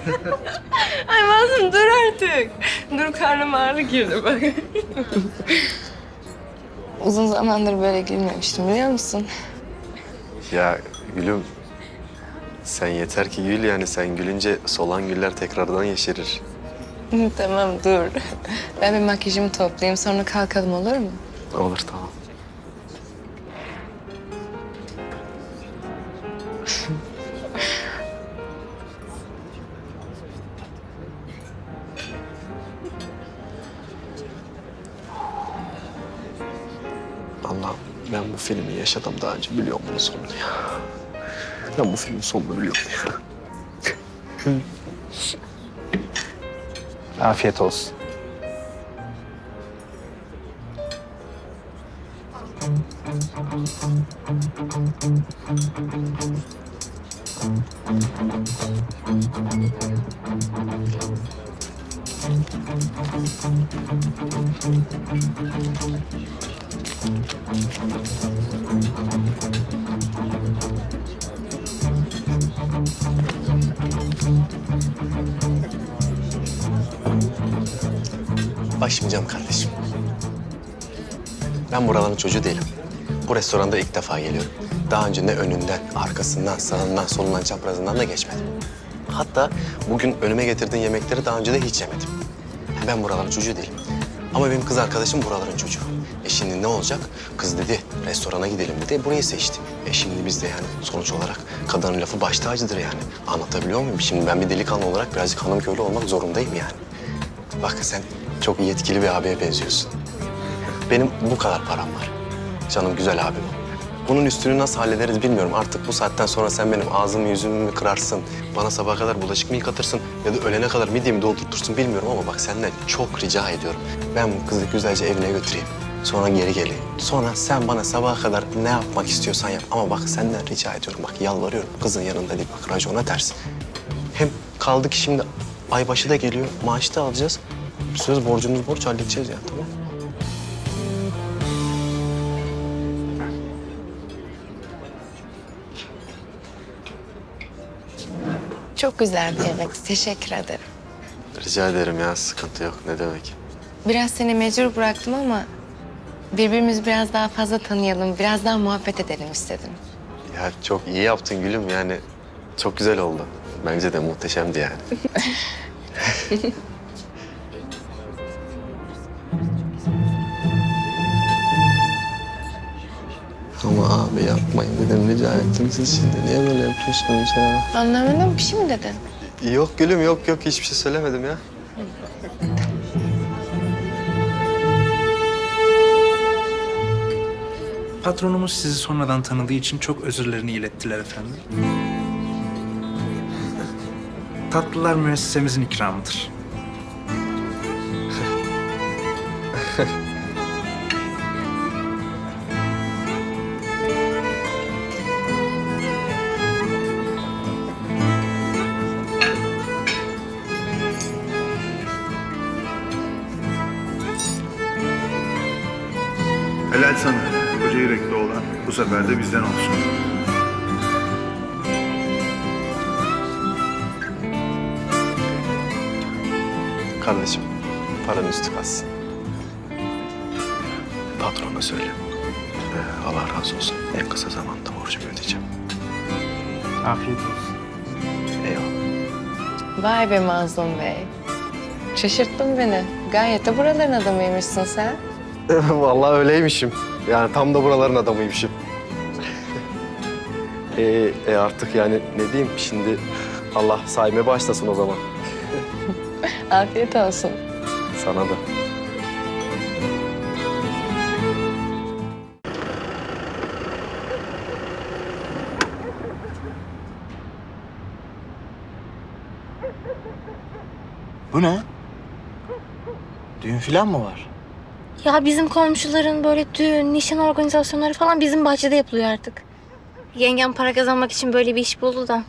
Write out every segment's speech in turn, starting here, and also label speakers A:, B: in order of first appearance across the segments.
A: Ay Mazlum dur artık. Dur karnım ağrı girdi bak. Uzun zamandır böyle gülmemiştim biliyor musun?
B: Ya gülüm, sen yeter ki gül yani. Sen gülünce solan güller tekrardan yeşerir.
A: Tamam dur. Ben bir makyajımı toplayayım sonra kalkalım olur mu?
B: Olur, tamam. Allah'ım, ben bu filmi yaşadım daha önce, biliyorum bunun sonunu ya. Ben bu filmin sonunu biliyorum ya. Afiyet olsun. Bak şimdi canım kardeşim. Ben buraların çocuğu değilim. Bu restoranda ilk defa geliyorum. Daha önce ne önünden, arkasından, sağından, solundan, çaprazından da geçmedim. Hatta bugün önüme getirdiğin yemekleri daha önce de hiç yemedim. Ben buraların çocuğu değilim. Ama benim kız arkadaşım buraların çocuğu. Şimdi ne olacak? Kız dedi, restorana gidelim dedi. Burayı seçti. Şimdi biz de yani sonuç olarak kadının lafı baş tacıdır yani. Anlatabiliyor muyum? Şimdi ben bir delikanlı olarak birazcık hanım köylü olmak zorundayım yani. Bak sen çok yetkili bir abiye benziyorsun. Benim bu kadar param var. Canım güzel abim. Bunun üstünü nasıl hallederiz bilmiyorum. Artık bu saatten sonra sen benim ağzımı yüzümü mü kırarsın? Bana sabaha kadar bulaşık mı yıkatırsın? Ya da öğlene kadar midyemi doldurtursun bilmiyorum ama bak senden çok rica ediyorum. Ben bu kızı güzelce evine götüreyim. Sonra geri geleyim. Sonra sen bana sabaha kadar ne yapmak istiyorsan yap. Ama bak senden rica ediyorum. Bak yalvarıyorum. Kızın yanında değil bak racona ters. Hem kaldı ki şimdi aybaşı da geliyor. Maaşı da alacağız. Söz borcumuz borç halledeceğiz ya, tamam.
A: Çok güzel bir yemek. Teşekkür ederim.
B: Rica ederim ya, sıkıntı yok. Ne demek?
A: Biraz seni mecbur bıraktım ama birbirimizi biraz daha fazla tanıyalım, biraz daha muhabbet edelim istedim.
B: Ya çok iyi yaptın gülüm yani. Çok güzel oldu. Bence de muhteşemdi yani. Ama abi yapmayın dedim, rica ettim. Siz şimdi niye böyle yapıyorsunuz ya?
A: Anlamadım, bir şey mi dedin?
B: Yok gülüm, yok hiçbir şey söylemedim ya.
C: Patronumuz sizi sonradan tanıdığı için çok özürlerini ilettiler efendim. Tatlılar müessesemizin ikramıdır.
D: Helal sana. Koca yürekli olan bu sefer de bizden olsun.
B: Kardeşim, paranın üstü kalsın. Patrona söyle. Allah razı olsun. En kısa zamanda borcumu ödeyeceğim.
C: Afiyet olsun.
B: Eyvallah.
A: Vay be Mazlum Bey. Şaşırttın beni. Gayet de buraların adamıymışsın sen.
B: Vallahi öyleymişim. Yani tam da buraların adamıymışım. Artık yani ne diyeyim şimdi, Allah saymaya başlasın o zaman.
A: Afiyet olsun.
B: Sana da.
E: Bu ne? Düğün falan mı var?
F: Ya bizim komşuların böyle düğün, nişan organizasyonları falan bizim bahçede yapılıyor artık. Yengem para kazanmak için böyle bir iş buldu da.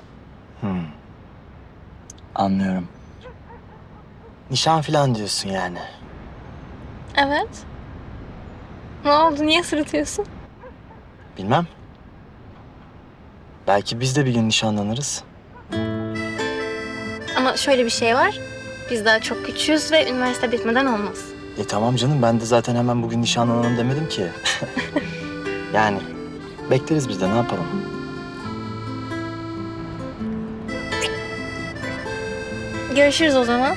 E: Anlıyorum. Nişan falan diyorsun yani.
F: Evet. Ne oldu? Niye sırıtıyorsun?
E: Bilmem. Belki biz de bir gün nişanlanırız.
F: Ama şöyle bir şey var. Biz daha çok küçüğüz ve üniversite bitmeden olmaz.
E: Tamam canım, ben de zaten hemen bugün nişanlanalım demedim ki. Yani bekleriz biz de, ne yapalım?
F: Görüşürüz o zaman.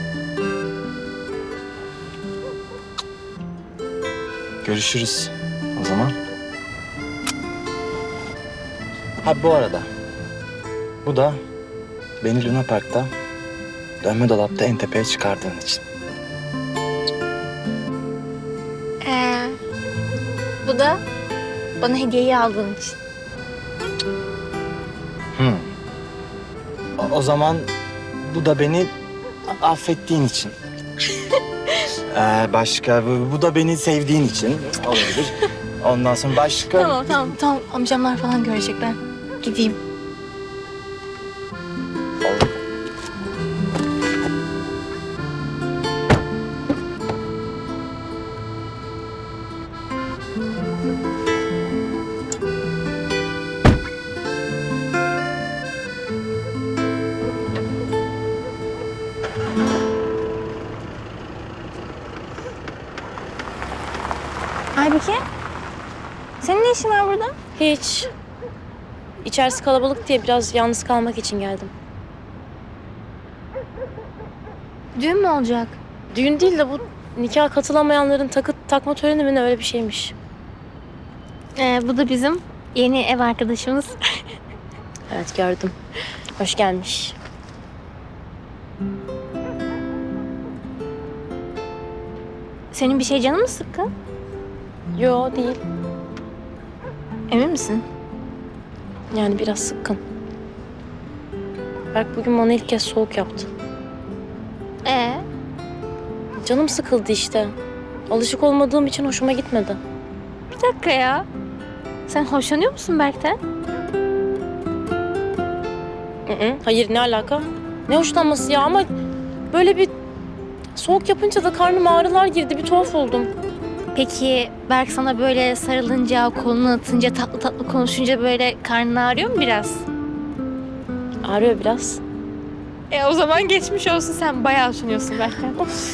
E: Görüşürüz o zaman. Ha bu arada, bu da beni Luna Park'ta dönme dolapta en tepeye çıkardığın için.
F: Bu da bana hediyeyi aldığın için.
E: O zaman bu da beni affettiğin için. Başka, bu da beni sevdiğin için olabilir. Ondan sonra başka...
F: Tamam. Amcamlar falan görecek, ben gideyim. Aybike, senin ne işin var burada?
G: Hiç. İçerisi kalabalık diye biraz yalnız kalmak için geldim.
F: Düğün mü olacak?
G: Düğün değil de bu nikah katılamayanların takma töreni mi ne, öyle bir şeymiş.
F: Bu da bizim yeni ev arkadaşımız.
G: Evet, gördüm. Hoş gelmiş.
F: Senin bir şey canın mı sıkkın?
G: Yo, değil.
F: Emin misin?
G: Yani biraz sıkkın. Berk bugün bana ilk kez soğuk yaptı. Canım sıkıldı işte. Alışık olmadığım için hoşuma gitmedi.
F: Bir dakika ya. Sen hoşlanıyor musun Berk'ten?
G: Hayır, ne alaka? Ne hoşlanması ya, ama böyle bir soğuk yapınca da karnıma ağrılar girdi. Bir tuhaf oldum.
F: Peki Berk sana böyle sarılınca, kolunu atınca, tatlı tatlı konuşunca böyle karnın ağrıyor mu biraz?
G: Ağrıyor biraz.
F: O zaman geçmiş olsun, sen bayağı hoşlanıyorsun Berk'ten.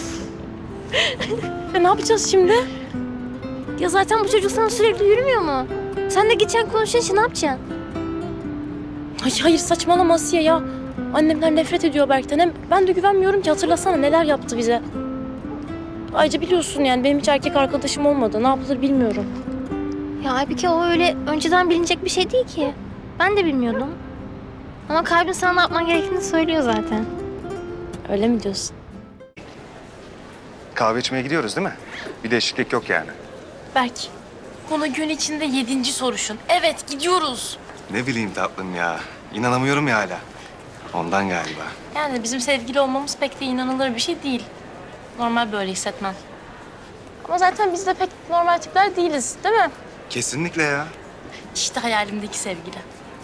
G: Ya ne yapacağız şimdi?
F: Ya zaten bu çocuk sana sürekli yürümüyor mu? Sen de geçen konuşunca ne yapacaksın?
G: Hayır, saçmalama Asiye ya. Annemler nefret ediyor Berk'ten. Hem ben de güvenmiyorum ki, hatırlasana neler yaptı bize. Ayrıca biliyorsun yani benim hiç erkek arkadaşım olmadı. Ne yapılır bilmiyorum.
F: Ya Aybike, o öyle önceden bilinecek bir şey değil ki. Ben de bilmiyordum. Ama kalbin sana ne yapman gerektiğini söylüyor zaten.
G: Öyle mi diyorsun?
H: Kahve içmeye gidiyoruz değil mi? Bir değişiklik yok yani.
G: Berk, konu gün içinde 7. soruşun. Evet, gidiyoruz.
H: Ne bileyim tatlım ya. İnanamıyorum ya hala. Ondan galiba.
G: Yani bizim sevgili olmamız pek de inanılır bir şey değil. Normal böyle hissetmem. Ama zaten biz de pek normal tipler değiliz, değil mi?
H: Kesinlikle ya.
G: İşte hayalimdeki sevgili.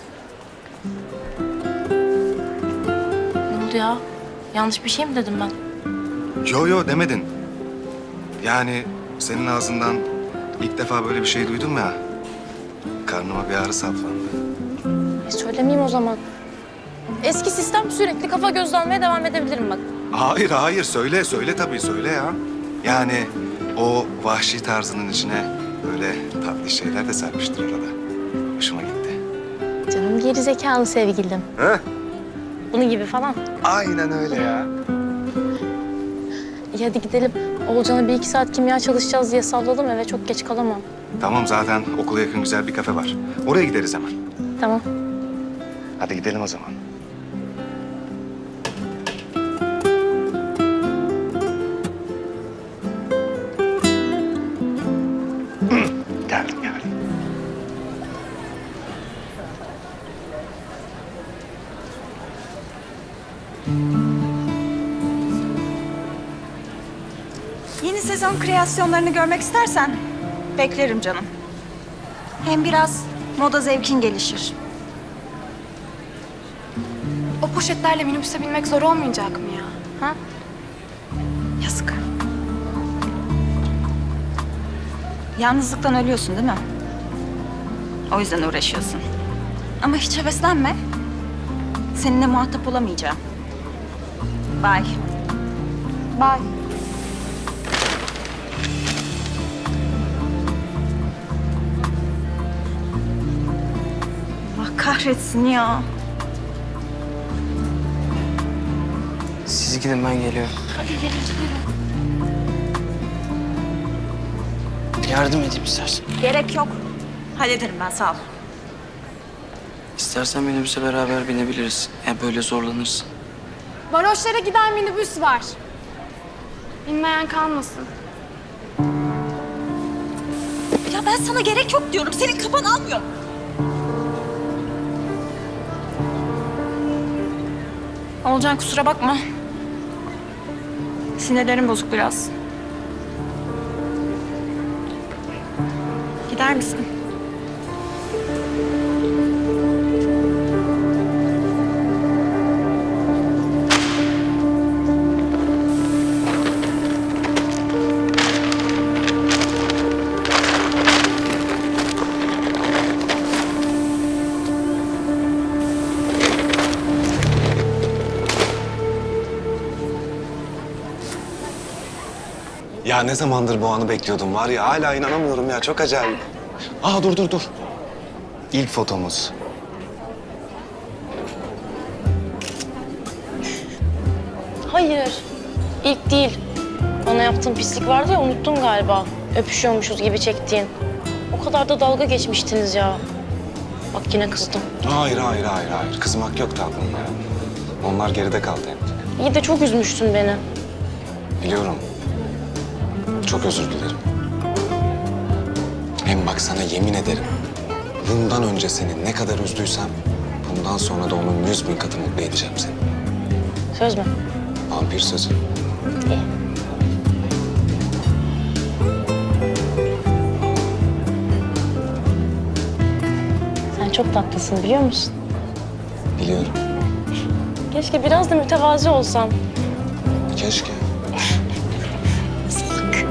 G: Ne oldu ya? Yanlış bir şey mi dedim ben?
H: Yo demedin. Yani senin ağzından ilk defa böyle bir şey duydum ya. Karnıma bir ağrı saplandı.
G: Söylemeyeyim o zaman. Eski sistem, sürekli kafa göz almaya devam edebilirim bak.
H: Hayır söyle tabii söyle ya. Yani o vahşi tarzının içine böyle tatlı şeyler de serpiştir arada. Hoşuma gitti.
G: Canım geri zekalı sevgilim.
H: He?
G: Bunun gibi falan.
H: Aynen öyle ya.
G: İyi, hadi gidelim. Oğulcan'a 1-2 saat kimya çalışacağız diye salladım, eve çok geç kalamam.
H: Tamam, zaten okula yakın güzel bir kafe var. Oraya gideriz hemen.
G: Tamam.
H: Hadi gidelim o zaman. Geldim.
I: Yeni sezon kreasyonlarını görmek istersen beklerim canım. Hem biraz moda zevkin gelişir.
A: O poşetlerle minibüse binmek zor olmayacak mı ya? Ha?
I: Yazık. Yalnızlıktan ölüyorsun değil mi? O yüzden uğraşıyorsun. Ama hiç heveslenme. Seninle muhatap olamayacağım. Bye. Bye. Allah kahretsin ya.
E: Siz gidin ben geliyorum. Yardım edeyim istersen.
I: Gerek yok. Hallederim ben, sağ ol.
E: İstersen minibüse beraber binebiliriz. Böyle zorlanırsın.
J: Varoşlara giden minibüs var. Bilmeyen kalmasın.
I: Ya ben sana gerek yok diyorum. Senin kafan almıyor. Olcan kusura bakma. Sinirlerim bozuk biraz. Gider misin?
H: Ya ne zamandır bu anı bekliyordum var ya, hala inanamıyorum ya, çok acayip. Aa dur. İlk fotomuz.
G: Hayır. İlk değil. Bana yaptığın pislik vardı ya, unuttun galiba. Öpüşüyormuşuz gibi çektiğin. O kadar da dalga geçmiştiniz ya. Bak yine kızdım.
H: Hayır. Kızmak yok tatlım ya. Onlar geride kaldı hep.
G: İyi de çok üzmüştün beni.
H: Biliyorum. Çok özür dilerim. Hem bak sana yemin ederim. Bundan önce seni ne kadar üzdüysem, bundan sonra da onun 100.000 katı mutlu edeceğim seni.
G: Söz mü?
H: Vampir sözü.
G: İyi. Sen çok tatlısın biliyor musun?
H: Biliyorum.
G: Keşke biraz da mütevazi olsan.
H: Keşke.
G: Salak.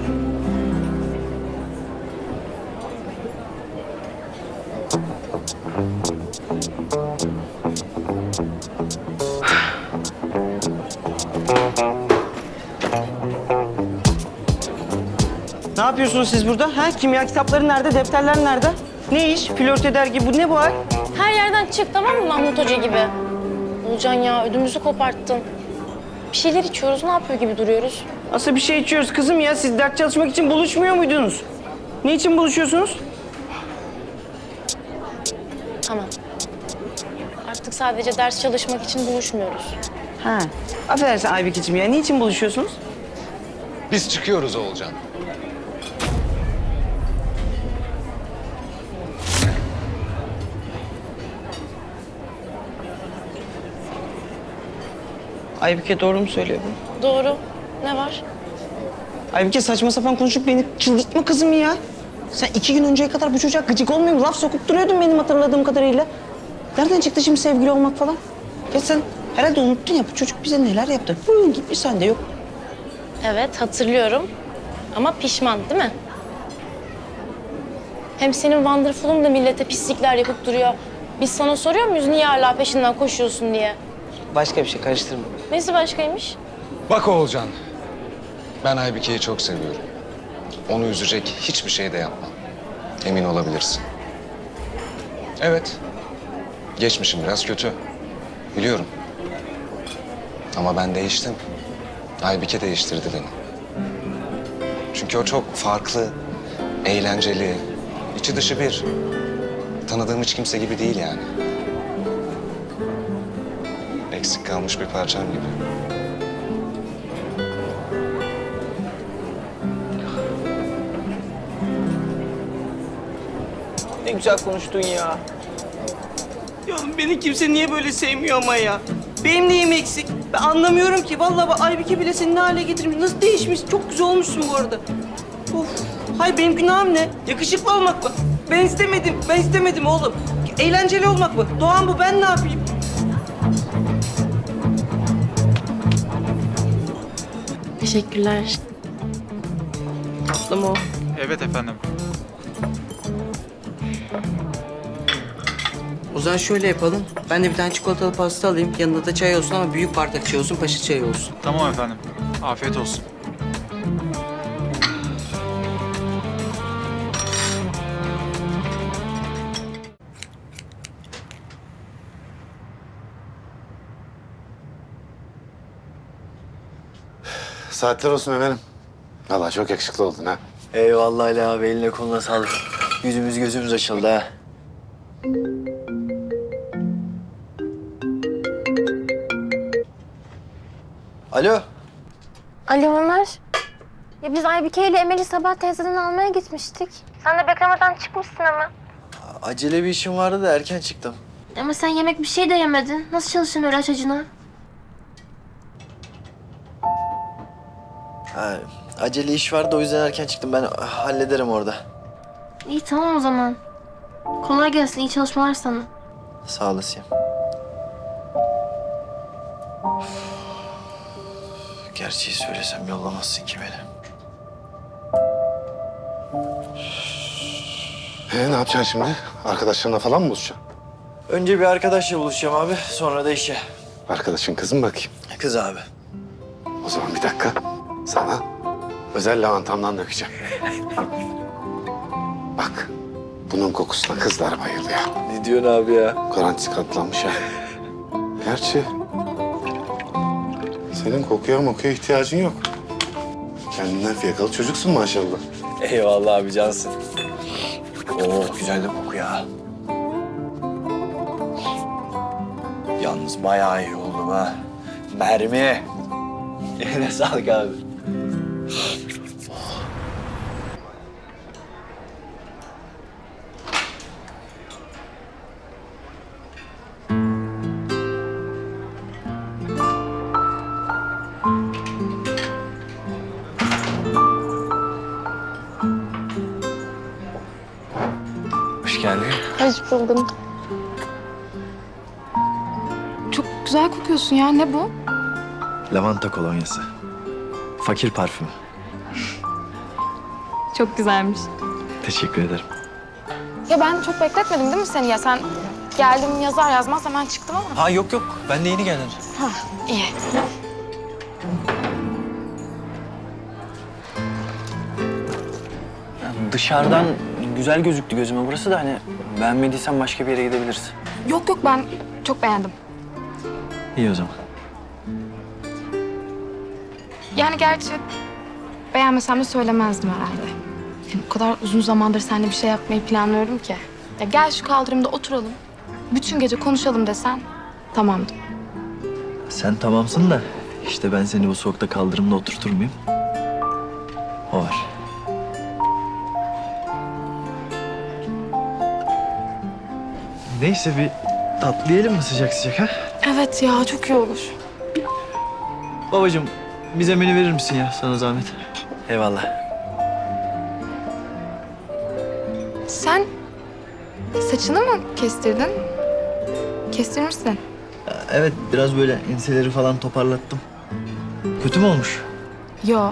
K: Ne yapıyorsunuz siz burada? Ha? Kimya kitapları nerede? Defterler nerede? Ne iş? Flört eder gibi. Bu ne bu hal?
G: Her yerden çık tamam mı Mahmut Hoca gibi? Olcan ya ödümüzü koparttın. Bir şeyler içiyoruz, ne yapıyor gibi duruyoruz?
K: Nasıl bir şey içiyoruz kızım ya? Siz ders çalışmak için buluşmuyor muydunuz? Ne için buluşuyorsunuz?
G: Tamam. Artık sadece ders çalışmak için buluşmuyoruz.
K: Ha. Affedersin Aybikeciğim ya. Niçin buluşuyorsunuz?
H: Biz çıkıyoruz Oğulcan.
K: Aybike doğru mu söylüyor bu?
G: Doğru. Ne var?
K: Aybike saçma sapan konuşup beni çıldırtma kızım ya. Sen 2 gün önceye kadar bu çocuğa gıcık olmuyor mu? Laf sokup duruyordun benim hatırladığım kadarıyla. Nereden çıktı şimdi sevgili olmak falan? Ya sen herhalde unuttun ya bu çocuk bize neler yaptı. Bunun gibi sende yok.
G: Evet hatırlıyorum. Ama pişman değil mi? Hem senin Wonderful'un da millete pislikler yapıp duruyor. Biz sana soruyor muyuz niye hala peşinden koşuyorsun diye?
K: Başka bir şey karıştırma.
G: Nesi başkaymış?
H: Bak Oğulcan, ben Aybike'yi çok seviyorum. Onu üzecek hiçbir şey de yapmam. Emin olabilirsin. Evet, geçmişim biraz kötü. Biliyorum. Ama ben değiştim. Aybike değiştirdi beni. Çünkü o çok farklı, eğlenceli, içi dışı bir. Tanıdığım hiç kimse gibi değil yani. Eksik kalmış bir parçam gibi.
K: Ne güzel konuştun ya. Ya beni kimse niye böyle sevmiyor ama ya? Benim neyim eksik? Ben anlamıyorum ki. Vallahi bak Aybike bile seni ne hale getirmiş. Nasıl değişmiş? Çok güzel olmuşsun bu arada. Of. Hayır benim günahım ne? Yakışıklı olmak mı? Ben istemedim. Ben istemedim oğlum. Eğlenceli olmak mı? Doğan bu. Ben ne yapayım?
G: Teşekkürler.
K: Tatlım o.
C: Evet efendim.
K: O zaman şöyle yapalım. Ben de bir tane çikolatalı pasta alayım. Yanında da çay olsun ama büyük bardak çay olsun, paşa çayı olsun.
C: Tamam efendim. Afiyet olsun.
B: Saatler olsun efendim. Vallahi çok yakışıklı oldun ha.
E: Eyvallah Ali abi, eline koluna sağlık. Yüzümüz gözümüz açıldı ha. Alo.
F: Alo Ömer. Ya biz Aybike ile Emel'i sabah teyzeden almaya gitmiştik. Sen de beklemeden çıkmışsın ama.
E: Acele bir işim vardı da erken çıktım.
F: Ama sen yemek bir şey de yemedin. Nasıl çalıştın öyle aç acına?
E: Ha, acele iş vardı, o yüzden erken çıktım. Ben hallederim orada.
F: İyi tamam o zaman. Kolay gelsin, iyi çalışmalar sana.
E: Sağ olasın. Gerçeği söylesem yollamazsın ki beni.
B: Ne yapacaksın şimdi? Arkadaşlarına falan mı buluşacaksın?
E: Önce bir arkadaşla buluşacağım abi, sonra da işe.
B: Arkadaşın kızı mı bakayım?
E: Kız abi.
B: O zaman bir dakika. Sana özel lavantamdan dökeceğim. Bak, bunun kokusuna kızlar bayılıyor.
E: Ne diyorsun abi ya?
B: Garantisi katlanmış ha. Gerçi senin kokuya mokuya ihtiyacın yok. Kendinden fiyakalı çocuksun maşallah.
E: Eyvallah abi, cansın. Oo, güzel de koku ya. Yalnız bayağı iyi oldum ha. Mermi. Eline sağlık abi. Hoş geldin.
J: Hoş buldum. Çok güzel kokuyorsun ya. Ne bu?
E: Lavanta kolonyası. Fakir parfümü.
J: Çok güzelmiş.
E: Teşekkür ederim.
J: Ya ben çok bekletmedim değil mi seni ya? Sen geldim yazar yazmaz hemen çıktım ama.
E: Ha yok yok, ben de yeni geldim.
J: Ha iyi.
E: Dışarıdan güzel gözüktü gözüme burası da, hani beğenmediysen başka bir yere gidebiliriz.
J: Yok yok ben çok beğendim.
E: İyi o zaman.
J: Yani gerçi beğenmesem de söylemezdim herhalde. Yani o kadar uzun zamandır seninle bir şey yapmayı planlıyorum ki. Ya gel şu kaldırımda oturalım. Bütün gece konuşalım desen tamamdım.
E: Sen tamamsın da işte ben seni bu soğukta kaldırımda oturtur muyum? O var. Neyse, bir tatlı yiyelim mi sıcak sıcak ha?
J: Evet ya çok iyi olur.
E: Babacığım, bize menü verir misin ya, sana zahmet? Eyvallah.
J: Sen saçını mı kestirdin? Kestirmişsin.
E: Evet, biraz böyle enseleri falan toparlattım. Kötü mü olmuş?
J: Yo.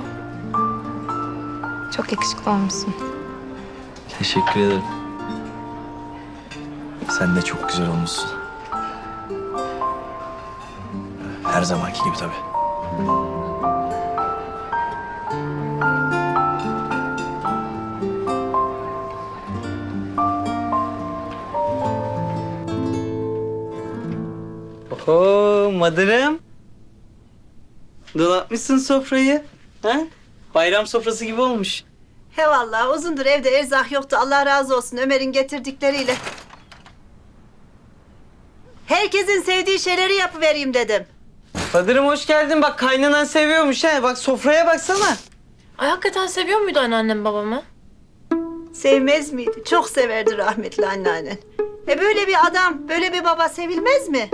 J: Çok yakışıklı olmuşsun.
E: Teşekkür ederim. Sen de çok güzel olmuşsun. Her zamanki gibi tabii.
K: Oo madırım. Donatmışsın sofrayı. Ha? Bayram sofrası gibi olmuş.
I: He vallahi uzundur evde erzak yoktu. Allah razı olsun Ömer'in getirdikleriyle. Herkesin sevdiği şeyleri yapıvereyim dedim.
K: Fadırım hoş geldin. Bak kaynanan seviyormuş ha. Bak sofraya baksana.
G: Ay hakikaten seviyor muydu anneannem babamı?
I: Sevmez miydi? Çok severdi rahmetli anneannen. Böyle bir adam, böyle bir baba sevilmez mi?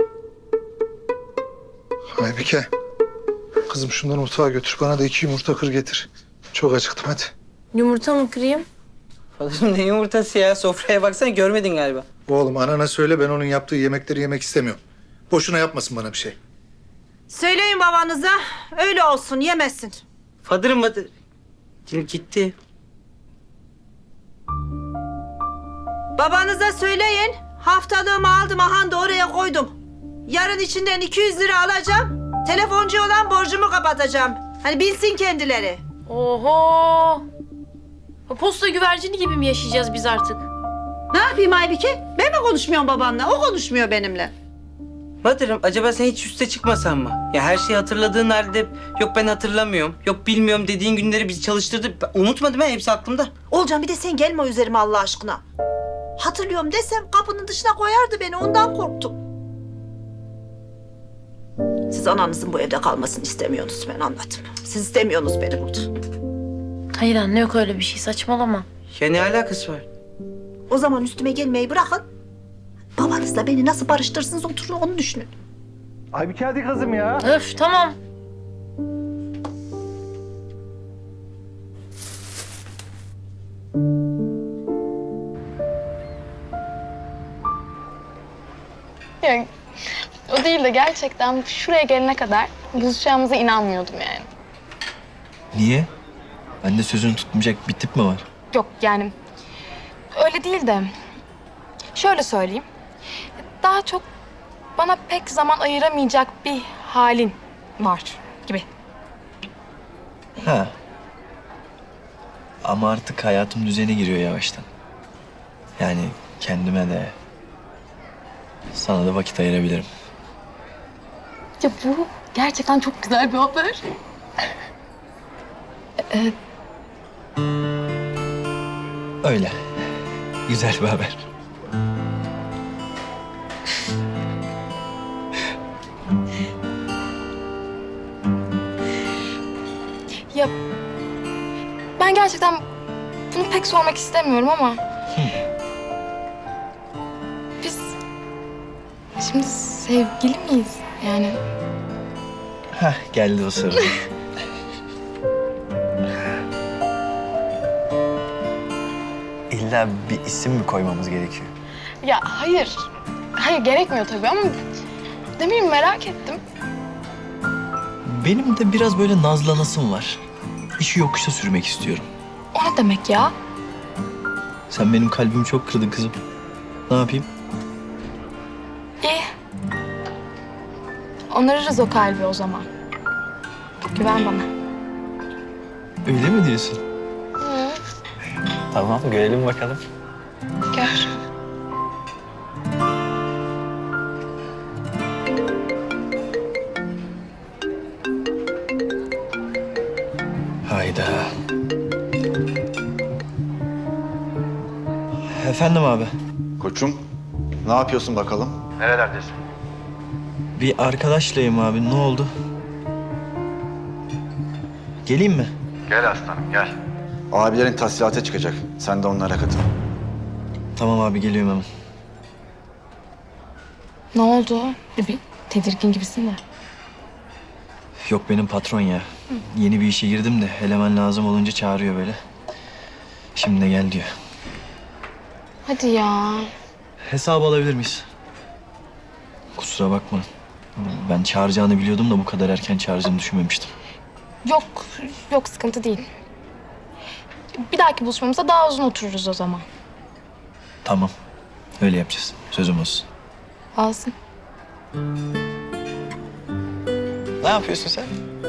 D: Aybike. Kızım şunları mutfağa götür. Bana da 2 yumurta kır getir. Çok acıktım hadi.
G: Yumurta mı kırayım?
K: Fadırım ne yumurtası ya? Sofraya baksana görmedin galiba.
D: Oğlum anana söyle, ben onun yaptığı yemekleri yemek istemiyorum. Boşuna yapmasın bana bir şey.
I: Söyleyin babanıza, öyle olsun yemesin.
K: Fadırım hadi. Gitti.
I: Babanıza söyleyin,
L: Haftalığımı aldım, aha da oraya koydum. Yarın içinden 200 lira alacağım. Telefoncu olan borcumu kapatacağım. Hani bilsin kendileri.
G: Oho! Posta güvercini gibi mi yaşayacağız biz artık?
L: Ne yapayım Aybike? Ben mi konuşmuyorum babanla? O konuşmuyor benimle.
K: Badır'ım acaba sen hiç üste çıkmasan mı? Ya her şeyi hatırladığın halde yok ben hatırlamıyorum, yok bilmiyorum dediğin günleri bizi çalıştırdı. Ben unutmadım ben, hepsi aklımda.
L: Olcan bir de sen gelme üzerime Allah aşkına. Hatırlıyorum desem kapının dışına koyardı beni, ondan korktum. Siz ananızın bu evde kalmasını istemiyorsunuz, ben anladım. Siz istemiyorsunuz beni burada.
G: Hayır anne, yok öyle bir şey, saçmalama.
K: Ya ne alakası var?
L: O zaman üstüme gelmeyi bırakın. Babanızla beni nasıl barıştırırsınız, oturun onu düşünün.
D: Aybike hadi kızım ya.
G: Öf, tamam.
J: Yani o değil de gerçekten şuraya gelene kadar buluşacağımıza inanmıyordum yani.
E: Niye? Bende sözünü tutmayacak bir tip mi var?
J: Yok yani öyle değil de şöyle söyleyeyim. Daha çok bana pek zaman ayıramayacak bir halin var gibi.
E: Ha. Ama artık hayatım düzene giriyor yavaştan. Yani kendime de sana da vakit ayırabilirim.
J: Ya bu gerçekten çok güzel bir haber.
E: Öyle. Güzel bir haber.
J: Ya ben gerçekten bunu pek sormak istemiyorum ama biz şimdi sevgili miyiz yani?
E: Hah, geldi o soru. İlla bir isim mi koymamız gerekiyor?
J: Ya hayır. Hayır gerekmiyor tabii ama ne bileyim merak ettim.
E: Benim de biraz böyle nazlanasım var. İşi yokuşa sürmek istiyorum.
J: O ne demek ya?
E: Sen benim kalbimi çok kırdın kızım. Ne yapayım?
J: İyi. Onarırız o kalbi o zaman. Güven bana.
E: Öyle mi diyorsun? Tamam, görelim bakalım.
J: Gör.
E: Hayda. Efendim abi.
M: Koçum, ne yapıyorsun bakalım?
E: Bir arkadaşlayım abi. Ne oldu? Geleyim mi?
M: Abilerin tahsilata çıkacak. Sen de onlara katıl.
E: Tamam abi, geliyorum hemen.
J: Ne oldu? Bir tedirgin gibisin de.
E: Yok, benim patron ya. Yeni bir işe girdim de eleman lazım olunca çağırıyor böyle. Şimdi de gel diyor.
J: Hadi ya.
E: Hesabı alabilir miyiz? Kusura bakma. Ben çağıracağını biliyordum da bu kadar erken çağıracağını düşünmemiştim.
J: Yok, yok sıkıntı değil. Bir dahaki buluşmamızda daha uzun otururuz o zaman.
E: Tamam. Öyle yapacağız. Sözüm olsun.
J: Alsın.
E: Ne yapıyorsun sen?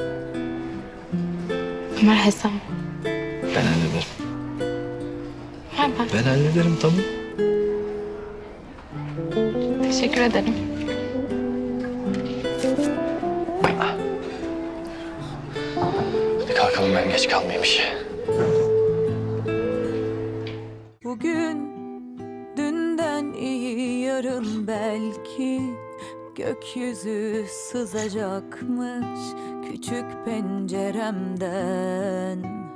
J: Ömer hesap.
E: Ben hallederim.
J: Ver ben.
E: Ben hallederim, tamam.
J: Teşekkür ederim.
E: Hadi kalkalım, ben geç kalmayayım işe.
N: Bugün dünden iyi, yarın belki gökyüzü sızacakmış küçük penceremden.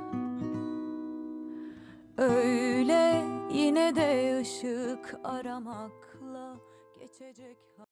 N: Öyle yine de ışık aramakla geçecek.